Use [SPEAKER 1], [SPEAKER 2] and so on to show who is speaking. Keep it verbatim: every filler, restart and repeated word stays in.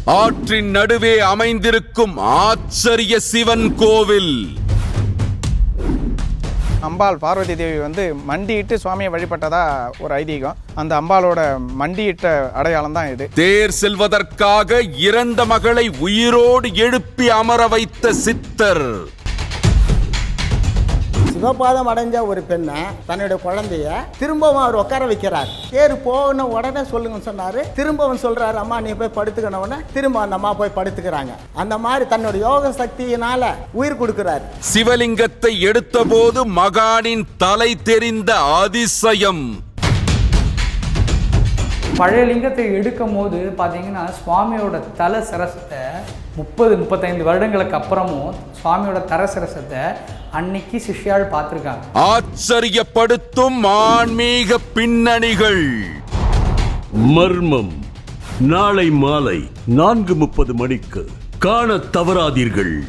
[SPEAKER 1] ஆற்றின் நடுவே அமைந்திருக்கும் ஆச்சரிய சிவன் கோவில்.
[SPEAKER 2] அம்பாள் பார்வதி தேவி வந்து மண்டியிட்டு சுவாமியை வழிபட்டதா ஒரு ஐதீகம். அந்த அம்பாளோட மண்டியிட்ட அடையாளம் தான் இது.
[SPEAKER 1] தேர் செல்வதற்காக இறந்த மகளை உயிரோடு எழுப்பி அமர வைத்த சித்தர்.
[SPEAKER 3] சிவபாதம் அடைஞ்ச ஒரு பெண்ணை தன்னுடைய குழந்தைய திரும்பவும் அவர் உட்கார வைக்கிறார். தேர் போன உடனே சொல்லுங்கன்னு சொன்னாரு. திரும்பவும் சொல்றாரு, அம்மா நீ போய் படுத்துக்கணும்னு திரும்ப அந்த அம்மா போய் படுத்துக்கிறாங்க. அந்த மாதிரி தன்னோட யோக சக்தியினால உயிர் கொடுக்கிறார்.
[SPEAKER 1] சிவலிங்கத்தை எடுத்த போது மகானின் தலை தெரிந்த அதிசயம்.
[SPEAKER 4] பழைய லிங்கத்தை எடுக்கும் போது பார்த்தீங்கன்னா சுவாமியோட தலை சிரசத்தை முப்பது முப்பத்தைந்து வருடங்களுக்கு அப்புறமும் சுவாமியோட தர சிரசத்தை அன்னைக்கு சிஷ்யாள் பார்த்துருக்காங்க.
[SPEAKER 1] ஆச்சரியப்படுத்தும் ஆன்மீக பின்னணிகள்.
[SPEAKER 5] மர்மம் நாளை மாலை நான்கு முப்பது மணிக்கு காண தவறாதீர்கள்.